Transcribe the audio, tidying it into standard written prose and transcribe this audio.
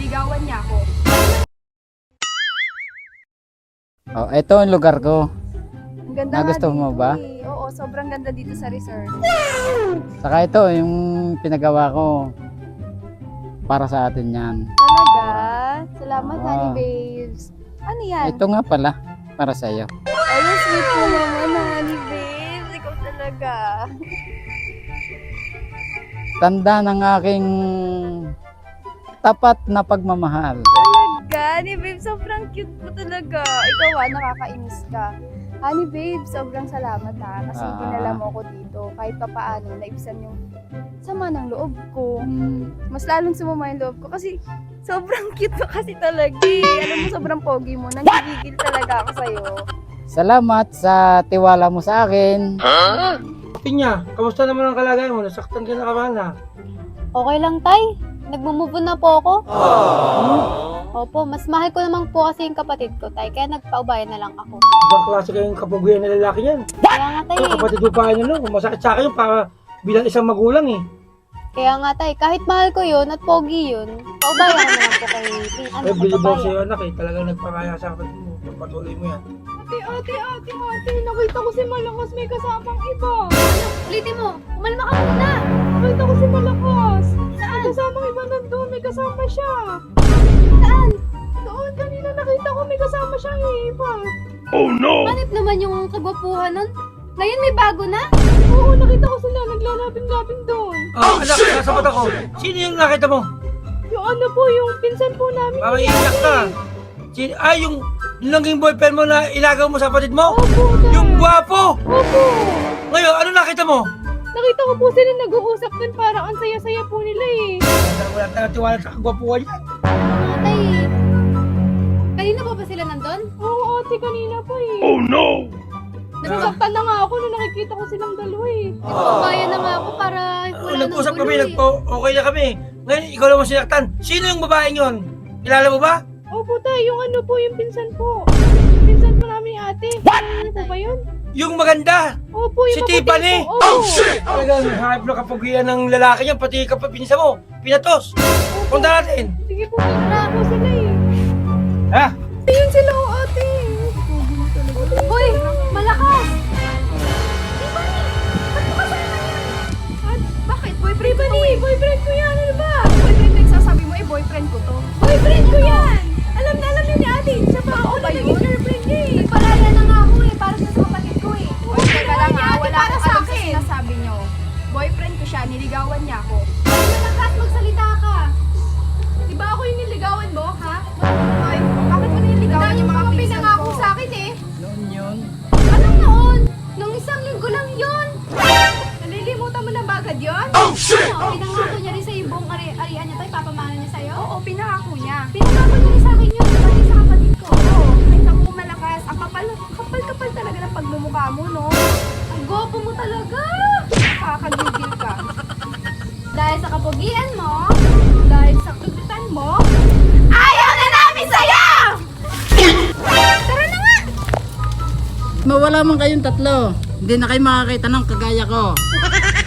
niligawan niya ako. Oh, ito ang lugar ko. Ang ganda nga Nagustuhan mo dito ba? eh. Oo, sobrang ganda dito sa resort. Saka ito, yung pinagawa ko. Para sa atin yan. Talaga? Salamat, Ah. honey babes. Ano yan? Ito nga pala, para sa iyo. Ay, sweet mo naman, honey babes. Ikaw talaga. Tanda ng aking tapat na pagmamahal. Talaga, honey babes. Sobrang cute mo talaga. Ikaw nakakainis ka. Honey babe, sobrang salamat ha. Kasi dinala mo ako dito. Kahit pa paano, naibsan yung sama ng loob ko. Mas lalong sumama yung loob ko kasi sobrang cute mo kasi talaga eh. Alam mo, sobrang pogi mo. Nanggigigil talaga ako sa'yo. Salamat sa tiwala mo sa akin. Pinya, kamusta naman ang kalagayan mo? Nasaktan ka na kamana. Okay lang, Tay. Nagmumove on na po ako. Opo, mas mahal ko naman po kasi yung kapatid ko, Tay. Kaya nagpaubayan na lang ako. Ibang klase kayong kapuguyan na lalaki yan. Kaya nga, Tay. Ito kapatid mo pa kayo no? Masakit sa akin yun para bilang isang magulang eh. Kaya nga, Tay. Kahit mahal ko yun at pogi yun, paubayan na lang po kay Ay, bilib ako sa'yo anak eh. Talagang nagpakaya sa kapatid mo. Pagpatuloy mo yan. Ate, nakita ko si Malakas may kasamang iba. Ulitin mo, umalma ka muna. Nakita ko si Malakas. May kasamang iba nandun, may kasama siya. Saan? Doon, kanina nakita ko may kasama siyang iba. Hanip naman yung kagwapuhan nun. Ngayon may bago na. Oo, nakita ko sila, naglalapin-lapin doon. Oh, anak, nasa mata ko. Sino yung nakita mo? Yung ano po, yung pinsan po namin. Parang iiyak ka. Sino? Ay, yung naging boyfriend mo na ilagaw mo sa kapatid mo? Opo, Yung gwapo! Opo. Ngayon, ano nakita mo? Nakita ko po sila nag-uusap doon, parang ang saya-saya po nila eh. Wala tayong tiwala sa kagwapuan yan. Mga Tay. Kanina pa ba sila nandun? Oo, ate, kanina pa eh. Nasasaktan na nga ako nung nakikita ko silang dalawa eh. Nagpaubayan na nga ako para wala nang Nag-usap gulo kami, eh. okay na kami. Ngayon, ikaw lang mo sinaktan. Sino yung babaeng yon? Kilala mo ba? Opo tayo, yung ano po, yung pinsan po. Pinsan po namin yung ate. Ano po ba yun? Yung maganda. Opo, yung Si maputi Tiffany? po. Opo. Talagang hanap na kapagian ng lalaki niya, pati kapag pinsa mo. Pinatos. Punta natin. Sige po, tara po sila eh. Ha? Ayun sila o ate. Hoy, malakas! Bakit? Boyfriend ko eh. Boyfriend ko yan. Ano ba? Boyfriend ko sasabi mo eh, boyfriend ko to. Boyfriend ko yan. Alam na alam niya ni ate. Siya pa ako na naging girlfriend niya eh. Nagpalaya na nga ako eh, para sa kapatid ko eh. Teka lang ha, wala para akong sa alam sa akin. sinasabi niyo. Boyfriend ko siya, niligawan niya ako. Malakas, magsalita ka. Di ba ako yung niligawan mo, ha? Ay, bakit mo niligawan yung mga pinsan ko? sa akin eh. Noon yun. Anong noon? Nung isang linggo lang yun. Nalilimutan mo na ba agad yun? Ano? Pinangako niya rin sa yung buong arian niya tayo, papamana niya sa'yo? Oo, pinangako niya. Pinangako niya rin sa akin yun, pati sa kapatid ko. Oo, ay naku, Malakas. Ang kapal talaga ng pagmumukha mo, no? Ang gopo mo talaga. Kakagigil ka. Dahil sa kapugian mo, Dahil sa kututan mo, ayaw na namin sa'yo! Tara na nga! Mawala man kayong tatlo. Hindi na kayo makakita ng kagaya ko.